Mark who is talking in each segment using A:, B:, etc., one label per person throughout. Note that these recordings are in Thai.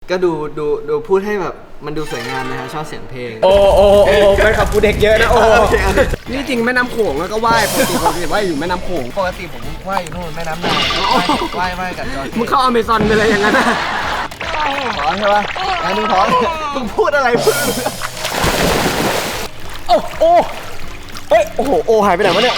A: ก็ดูพูดให้แบบมันดูสวยงามนะครับชอบเสียงเพลง
B: โอ้แฟนคลับกูเด็กเยอะนะโอ้นี่จริงแม่น้ำโขงแล้วก็ว่ายปกติว่ายอยู่แม่น้ำโขง
A: ปกติผมว่ายอยู่นู่นแม่น้ำนายว่ายกับจอร์จ
B: มึงเข้าอเมซอนไปเลยอย่างนั้นนะ
A: ถอนใช่ปะมึงถอนมึงพูดอะไรพึ่ง
B: โอ้เฮ้ยโอ้โหโอหายไปไหนวะเนี่ย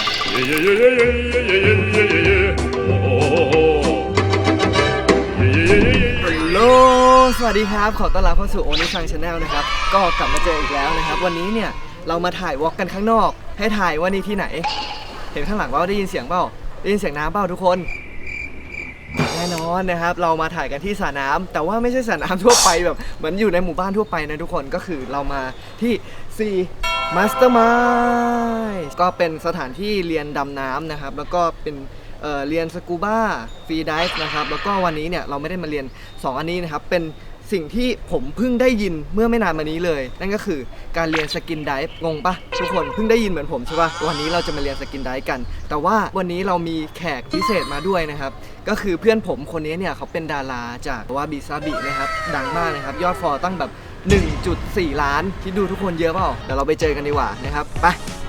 A: ฮัลโหลสวัสดีครับขอต้อนรับเข้าสู่โอนิซังชาแนลนะครับก็กลับมาเจออีกแล้วนะครับวันนี้เนี่ยเรามาถ่ายวอล์กกันข้างนอกให้ถ่ายว่านี่ที่ไหนเห็นข้างหลังว่าได้ยินเสียงเปล่าได้ยินเสียงน้ำเปล่าทุกคนแน่นอนนะครับเรามาถ่ายกันที่สระน้ำแต่ว่าไม่ใช่สระน้ำทั่วไปแบบเหมือนอยู่ในหมู่บ้านทั่วไปนะทุกคนก็คือเรามาที่ซีMastermind ก็เป็นสถานที่เรียนดำน้ำนะครับแล้วก็เป็นเรียนสกูบ้าฟรีไดฟ์นะครับแล้วก็วันนี้เนี่ยเราไม่ได้มาเรียน2อันนี้นะครับเป็นสิ่งที่ผมเพิ่งได้ยินเมื่อไม่นานมานี้เลยนั่นก็คือการเรียนสกินไดฟ์งงปะทุกคนเพิ่งได้ยินเหมือนผมใช่ปะวันนี้เราจะมาเรียนสกินไดฟ์กันแต่ว่าวันนี้เรามีแขกพิเศษมาด้วยนะครับก็คือเพื่อนผมคนนี้เนี่ยเขาเป็นดาราจากวาบิซาบินะครับดังมากนะครับยอดฟอลตั้งแบบ 1.4 ล้านคิดดูทุกคนเยอะเปล่าเดี๋ยวเราไปเจอกันดีกว่านะครับไป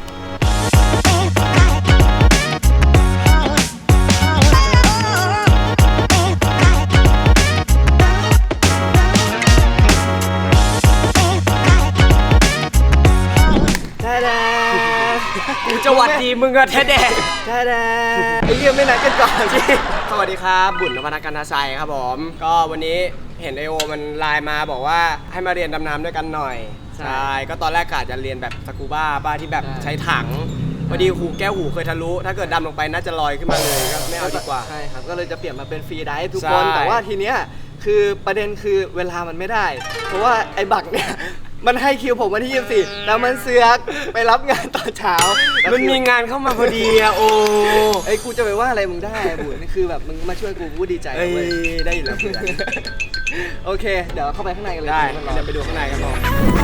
B: กูจะหวัดดีมึงอะแท้แดง
A: ไอ้เรื่องไม่นัดกันก่อนสิ
B: สวัสดีครับบุญนวรรณกันทชัยครับผมก็วันนี้เห็นไอโอมันไลน์มาบอกว่าให้มาเรียนดำน้ำด้วยกันหน่อยใช่ก็ตอนแรกกะจะเรียนแบบสกูบ้าที่แบบใช้ถังพอดีหูแก้วหูเคยทะลุถ้าเกิดดำลงไปน่าจะลอยขึ้นมาเลยก็ไม่เอาดีกว่า
A: ใช่ครับก็เลยจะเปลี่ยนมาเป็นฟรีไดฟ์ทุกคนแต่ว่าทีเนี้ยคือประเด็นคือเวลามันไม่ได้เพราะว่าไอ้บักเนี่ยมันให้คิวผมวันที่24แล้วมันเสือกไปรับงานตอนเช้า
B: มันมีงานเข้ามาพอดีอะโอ้
A: ไอ้กูจะไปว่าอะไรมึงได้บุญนี่คือแบบมึงมาช่วยกูดีใจ
B: เลยได้อยู่แล้วเพื่อน
A: โอเคเดี๋ยวเข้าไปข้างในกันเลย
B: ได้เดี๋ยวไปดูข้างในกันต่อ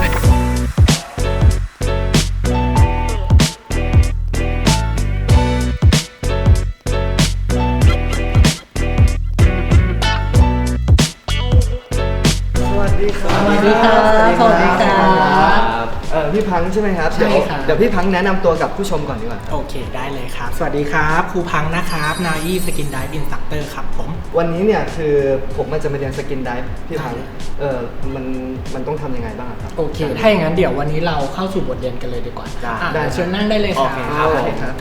A: สวัสดีครับพี่พังใช่ไหมครับ
C: ใช่ครับ
A: เดี๋ยวพี่พังแนะนำตัวกับผู้ชมก่อนดีกว่า
C: โอเคได้เลยครับสวัสดีครับครูพังนะครับนายีสกินไดฟ์อินสตรัคเตอร์ครับผม
A: วันนี้เนี่ยคือผมมันจะมาเรียนสกินไดฟ์พี่พังมันต้องทำยังไงบ้างครับ
C: โอเคถ้าอย่างนั้นเดี๋ยววันนี้เราเข้าสู่บทเรียนกันเลยดีกว่าได้เชิญนั่งได้เลย
A: ครับ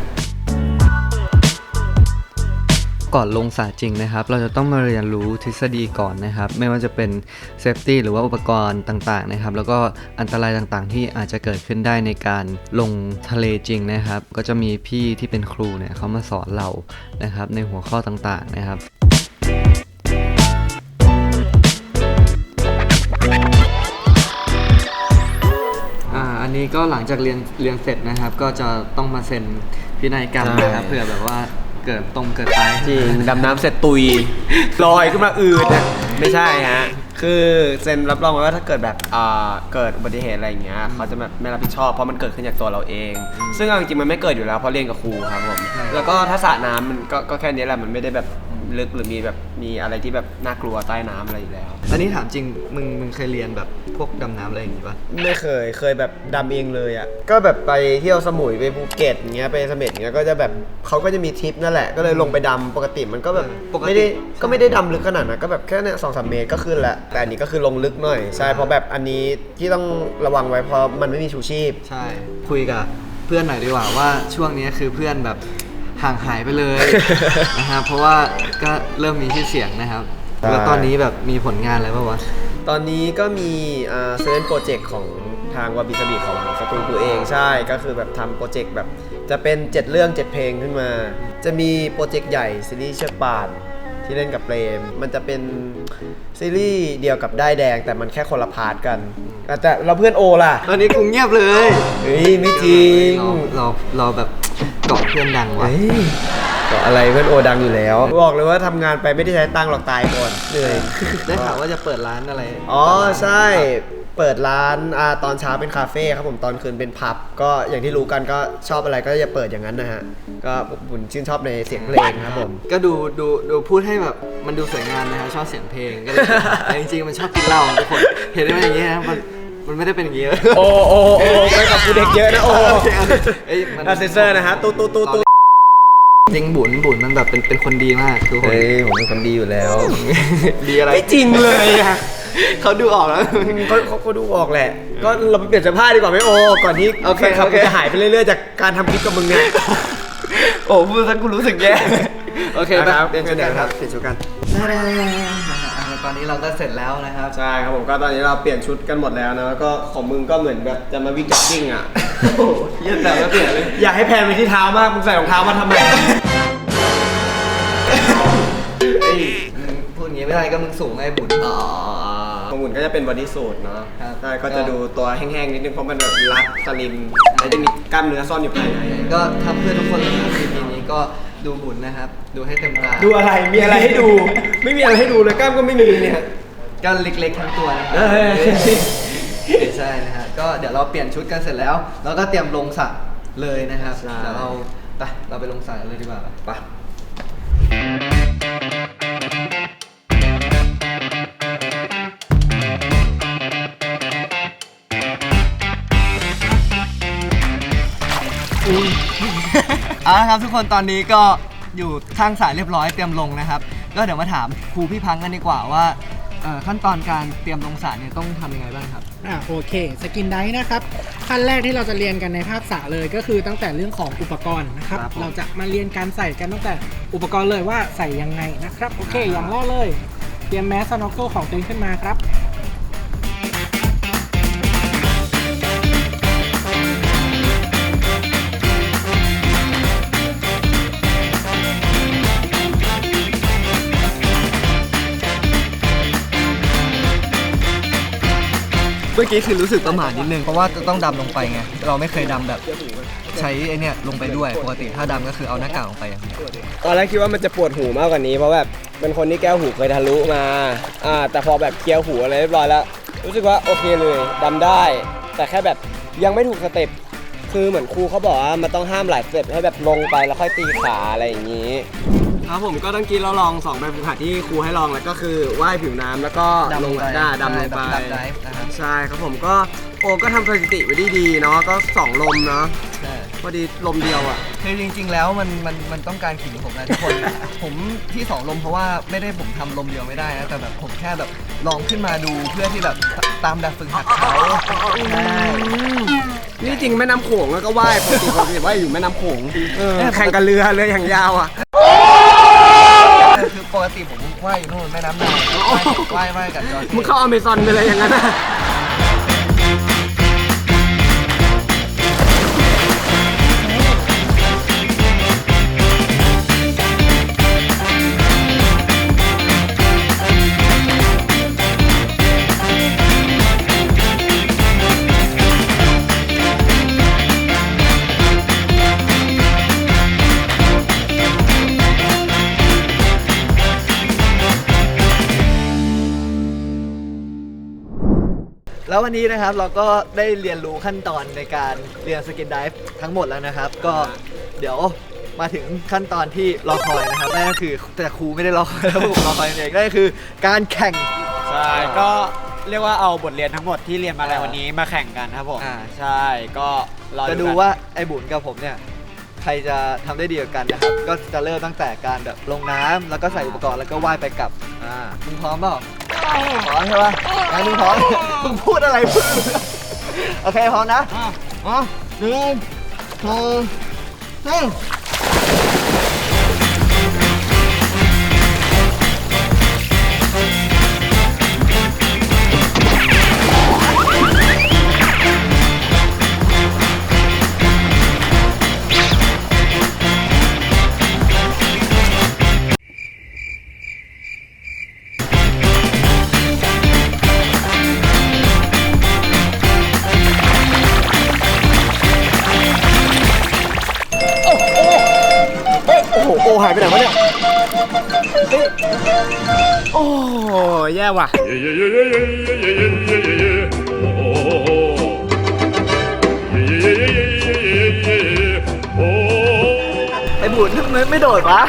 A: ก่อนลงสระจริงนะครับเราจะต้องมาเรียนรู้ทฤษฎีก่อนนะครับไม่ว่าจะเป็นเซฟตี้หรือว่าอุปกรณ์ต่างๆนะครับแล้วก็อันตรายต่างๆที่อาจจะเกิดขึ้นได้ในการลงทะเลจริงนะครับก็จะมีพี่ที่เป็นครูเนี่ยเขามาสอนเรานะครับในหัวข้อต่างๆนะครับอันนี้ก็หลังจากเรียนเสร็จนะครับก็จะต้องมาเซ็นพินัยกรรมนะครับเผื่อแบบว่าเกิดตาย
B: จริงดำน้ำเสร็จตุยลอยขึ้นมาอืดนะไม่ใช่ฮะคือเซ็นรับรองไว้ว่าถ้าเกิดแบบเกิดอุบัติเหตุอะไรอย่างเงี้ยเขาจะแบบไม่รับผิดชอบเพราะมันเกิดขึ้นจากตัวเราเองซึ่งจริงๆมันไม่เกิดอยู่แล้วเพราะเรียนกับครูครับผมแล้วก็ถ้าสระน้ำมันก็แค่นี้แหละมันไม่ได้แบบลึกหรือมีอะไรที่แบบน่ากลัวใต้น้ำอะไรอยู่แล้ว
A: อันนี้ถามจริงมึงเคยเรียนแบบพวกดำน้ำอะไรอย่างงี้ปะ
B: ไม่เคยแบบดำเองเลยอ่ะก็แบบไปเที่ยวสมุยไปภูเก็ตอย่างเงี้ยไปเสม็ดอย่างเงี้ยก็จะแบบเขาก็จะมีทริปนั่นแหละก็เลยลงไปดำปกติมันก็แบบไม่ได้ดำลึกขนาดนั้นก็แบบแค่เนี่ย2-3 เมตรก็ขึ้นแหละแต่อันนี้ก็คือลงลึกหน่อยใช่เพราะแบบอันนี้ที่ต้องระวังไว้เพราะมันไม่มีชูชีพ
A: ใช่คุยกับเพื่อนหน่อยดีกว่าว่าช่วงนี้คือเพื่อนแบบห่างหายไปเลยนะครับเพราะว่าก็เริ่มมีชื่อเสียงนะครับแล้วตอนนี้แบบมีผลงานอะไรบ้างวะ
B: ตอนนี้ก็มีเซเว่นโปรเจกต์ของทางวาบิซาบิของสตูดิโอเองใช่ก็คือแบบทำโปรเจกต์แบบจะเป็น7 เรื่อง 7 เพลงขึ้นมาจะมีโปรเจกต์ใหญ่ซีรีส์เชือกป่านที่เล่นกับเปรมมันจะเป็นซีรีส์เดียวกับได้แดงแต่มันแค่คนละพาร์ทกันแต่เราเพื่อนโอล่ะ
A: ตอนนี้กูเงียบเลย
B: เฮ้ยไม่จริง
A: เราแบบเกาะเพื่อนดังว่ะ
B: เกาะอะไรเพื่อนโอดังอยู่แล้วบอกเลยว่าทำงานไปไม่ได้ใช้ตังค์หรอกตายก่อนเหนื่อย
A: ได้ข่าวว่าจะเปิดร้านอะไร
B: อ๋อใช่เปิดร้านตอนเช้าเป็นคาเฟ่ครับผมตอนคืนเป็นผับก็อย่างที่รู้กันก็ชอบอะไรก็อย่าเปิดอย่างนั้นนะฮะก็ผมชื่นชอบในเสียงเพลงครับผม
A: ก็ดูพูดให้แบบมันดูสวยงามนะฮะชอบเสียงเพลงก็เลยแต่จริงๆมันชอบกินเหล้าทุกคนเห็นไหมอย่างเงี้ยนะมันไม่ได้เป็นอย่างงี้
B: โอ้ไปกับกูเด็กเยอะนะโอ้
A: เอ้ยมัน
B: เซนเซอร์นะฮะตู้
A: จริงบุญมันแบบเป็นคนดีมากทุกคน
B: เฮ้ยผมเป็นคนดีอยู่แล้ว
A: ดีอะไร
B: ไม่จริงเลยอะ
A: เขาดูออกแล้ว
B: เขาดูออกแหละ ก็เราไปเปลี่ยนเสื้อผ้าดีกว่าไหมโอก่อนที่
A: โอเค
B: แฟนคลับ
A: โอเค
B: จะหายไปเรื่อยๆจากการทำคลิปกับมึงเนี่ย
A: โอ้พูดซะกูรู้สึกแย่โอเค
B: ครับ
A: เปลี่ยนชุดกันครับ
B: เปลี่ยนชุดกัน
A: ตอนนี้เราก็เสร็จแล้วนะครับ
B: ใช่ครับผมก็ตอนนี้เราเปลี่ยนชุดกันหมดแล้วนะแล้วก็ของมึงก็เหมือนแบบจะมาวิ่งจ็อกกิ้งอ่ะ
A: โอ้โหเยี่ยมแต่แล้วเปลี่ยนเลย
B: อยากให้แพนไปที่เท้ามากมึงใส่รองเท้ามาทำไม
A: เอ้ยมึงพูดอย่างงี้ไม่ได้ก็มึงสูงไงบุญ
B: ของหุ่นก็จะเป็นบอดี้สูทเนาะ
A: ครับ
B: ใช่ก็จะดูตัวแห้งๆนิดนึงเพราะมันแบบรัดสลิมแล้วจะมีกล้ามเนื้อซ่อนอยู่ภายใน
A: ก็ทำเพื่อทุกคนเลยนะทีนี้ก็ดูบุญนะครับ ดูให้เต็มตา
B: ดูอะไรมีอะไรให้ดู ไม่มีอะไรให้ดูเลยกล้ามก็ไม่มีเนี่ย
A: ก็เล็กๆทั้งตัวนะครั
B: เออ
A: ไม่ใช่นะฮะก็เดี๋ยวเราเปลี่ยนชุดกันเสร็จแล้วเราก็เตรียมลงสระเลยนะครับ
B: ใช่
A: เดี๋ยวเราไปลงสระกันเลยดีกว่าไป เอาละครับทุกคนตอนนี้ก็อยู่ข้างสายเรียบร้อยเตรียมลงนะครับ ก็เดี๋ยวมาถามครูพี่พังกันดีกว่าว่าขั้นตอนการเตรียมลงสระเนี่ยต้องทำยังไงบ้างครับ
C: โอเคสกินไดฟ์นะครับขั้นแรกที่เราจะเรียนกันในภาคสระเลยก็คือตั้งแต่เรื่องของอุปกรณ์นะครับ
A: ครับผม
C: เราจะมาเรียนการใส่กันตั้งแต่อุปกรณ์เลยว่าใส่ยังไงนะครับโอเคอย่างแรกเลยเตรียมแมสสโนว์เกิลของตัวเองขึ้นมาครับ
A: เมื่อกี้คือรู้สึกประหม่านิดนึงเพราะว่าจะต้องดำลงไปไงเราไม่เคยดำแบบใช้ไอเนี่ยลงไปด้วยปกติถ้าดำก็คือเอาหน้ากากลงไปอย่างเดียว
B: ตอนแรกคิดว่ามันจะปวดหูมากกว่านี้เพราะแบบเป็นคนที่แก้วหูเคยทะลุมาแต่พอแบบเคลียร์หูอะไรเรียบร้อยแล้วรู้สึกว่าโอเคเลยดำได้ แต่แค่แบบยังไม่ถูกสเต็ปคือเหมือนครูเขาบอกว่ามันต้องห้ามหลายสเต็ปให้แบบลงไปแล้วค่อยตีขาอะไรอย่างนี้ครับผมก็ตั้งกี้เราลอง2แบบฝึกหัดที่ครูให้ลองแล้วก็คือว่ายผิวน้ำแล้วก็ลงดำลงไป
A: ดำไดฟ์นะครับ
B: ใช่ครับผมก็โอ้ก็ทำสถิติไว้ได้ดีเนาะก็2ลมเนาะ
A: ใช่
B: พอดีลมเดียวอ่ะ
A: คือจริงๆแล้วมันต้องการขิงผมนะทุกคน ผมที่2ลมเพราะว่าไม่ได้ผมทำลมเดียวไม่ได้นะแต่แบบผมแค่แบบลองขึ้นมาดูเพื่อที่แบบตามแบบฝึกหัดเขาใช่
B: นี่จริงแม่น้ำโขงแล้วก็ว่ายปกติว่ายอยู่แม่น้ำโขงแข่งกับเรืออย่างยาวอ่ะ
A: คือปกติผมว่ายอยู่นู่นแม่น้ำนายว่ายกับจอร์จ
B: มึงเข้าอเมซอนไปเลยอย่างนั้นนะ
A: แล้ววันนี้นะครับเราก็ได้เรียนรู้ขั้นตอนในการเรียนสกินไดฟ์ทั้งหมดแล้วนะครับ ก็เดี๋ยวมาถึงขั้นตอนที่รอคอยนะครับนั่นก็คือแต่ครูไม่ได้รอคอยแล้วผมรอคอยเองนั่นก็คือการแข่ง
D: ใช่ก็เรียกว่าเอาบทเรียนทั้งหมดที่เรียนมาในวันนี้มาแข่งกันครับผม
A: อ่า
D: ใช่ก็รอ
A: จะดูว่าไอ้บุญกับผมเนี่ยใครจะทำได้ดีกว่ากันนะครับ ก็จะเริ่มตั้งแต่การแบบลงน้ำแล้วก็ใส่อุปกรณ์แล้วก็ว่ายไปกลับมึงพร้อมเปล่าพร้อมใช่ปะงั้นมึงพร้อม มึงพูดอะไรพึ่งโอเคพร้อมนะอ๋อ1 2 3
B: โอ้โหโอหายไปไหนวะเนี่ยโอ้แย่ว่ะ
E: Yeah, yeah, yeah, yeah, yeah, yeah, yeah, yeah, yeah.
A: ำไมไม่โดดวะ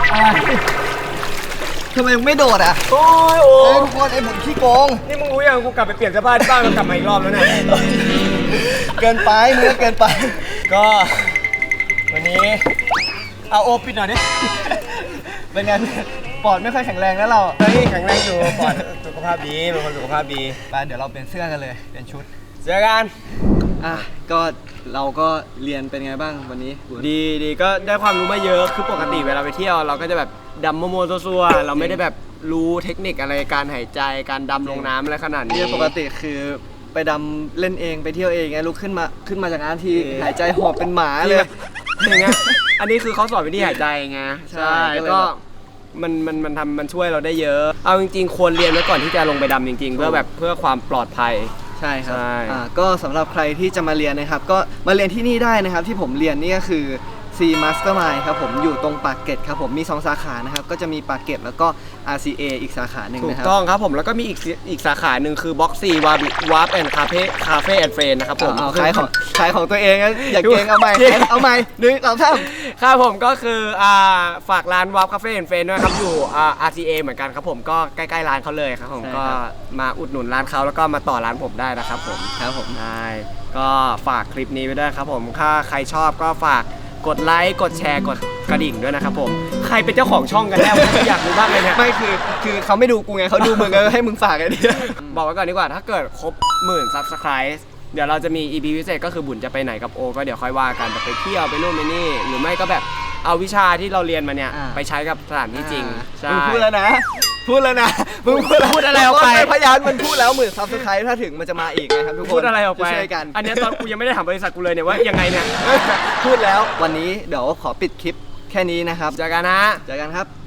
A: ทำไมมึงไม่โดดอ่ะ
B: โอ้ยโอ้
A: เฮ้ยทุกคนไอ้บุญขี้โกง
B: นี่มึงรู้ยังกูกลับไปเปลี่ยนเสื้อผ้าที่บ้านมันกลับมาอีกรอบแล้วเนี่ย
A: เกินไปมึงก็เกินไป
B: ก็วันนี้เอาโอปิดหน่อยดิ
A: เป็นไงปอดไม่ค่อยแข็งแรงแล้วเรา
B: เฮ้ยแข็งแรงอยู่ปอดสุขภาพดีเป็นคนสุขภาพดี
A: ไปเดี๋ยวเราเปลี่ยนเสื้อกันเลยเปลี่ยนชุด
B: เจอกัน
A: อ่ะก็เราก็เรียนเป็นไงบ้างวันนี้
B: ดีก็ได้ความรู้มาเยอะคือปกติเวลาไปเที่ยวเราก็จะแบบดำโมซัวๆเราไม่ได้แบบรู้เทคนิคอะไรการหายใจการดำลงน้ำอะไรขนาดนี้
A: ที่ปกติคือไปดำเล่นเองไปเที่ยวเองไงลุกขึ้นมาจากน้ำทีหายใจหอบเป็นหมาเลย
B: อย่างเงี้ยอันนี้คือเขาสอนวิธีหายใจไง
A: ใช่ก็เลย
B: ก็
A: แบบ
B: มันช่วยเราได้เยอะ เอาจริงๆควรเรียนไว้ก่อนที่จะลงไปดำจริงๆ เพื่อความปลอดภัย
A: ใช่ครับ
B: ใช่
A: ก็สำหรับใครที่จะมาเรียนนะครับ ก็มาเรียนที่นี่ได้นะครับ ที่ผมเรียนนี่ก็คือ C Mastermind ครับผมอยู่ตรงปากเกร็ดครับผมมี 2 สาขานะครับ ก็จะมีปากเกร็ดแล้วก็ RCA อีกสาขาหนึ่ง
B: ถู
A: นะ
B: ก
A: ครับ
B: ต้องครับผมแล้วก็มีอีกสาขาหนึ่งคือ Box C Warp and Cafe and Friend นะครับผม
A: เอาขายของตัวเองนะอย่าเก่งเอาใหม่เอาใหม่1 2 3
B: ครับผมก็คือฝากร้าน Warp Cafe and Friend ด้วยครับอยู่RCA เหมือนกันครับผมก็ใกล้ๆร้านเขาเลยครับผม
A: ใช่
B: ก็
A: ครับ
B: มาอุดหนุนร้านเขาแล้วก็มาต่อร้านผมได้นะครับผม
A: ครับผม
B: ได้ก็ฝากคลิปนี้ไว้ด้วยครับผมถ้าใครชอบก็ฝากกดไลค์กดแชร์กดกระดิ่งด้วยนะครับผมใครเป็นเจ้าของช่องกันแน่ผมอยากรู้บ้างเลยเนี่ย
A: ไม่คือเขาไม่ดูกูไงเขาดูมึงก็ให้มึงฝากไอ้นี่
B: บอกไว้ก่อนดีกว่าถ้าเกิดครบ10,000 Subscribe เดี๋ยวเราจะมี EP พิเศษก็คือบุญจะไปไหนกับโอก็เดี๋ยวค่อยว่ากันแบบไปเที่ยวไปนู่นไปนี่ หรือไม่ก็แบบเอาวิชาที่เราเรียนมาเนี่ยไปใช้กับสถานที่จริงใช่
A: มึงพูดแล้วนะมึงพูดอะไรออกไปพยานมันพูดแล้ว10,000 Subscribe ถ้าถึงมันจะมาอีกนะครับทุกคน
B: พูดอะไรออกไป
A: ช่วยกัน
B: อันเนี้ยตอนกูยังไม่ได้ถามบริษัทกูเลยเนี่ยว่ายังไงเนี่ย
A: พูดแล้ววันนี้เดี๋ยวขอปิดคลิปแค่นี้นะครับ
B: เจอกันนะ
A: เจอกันครับ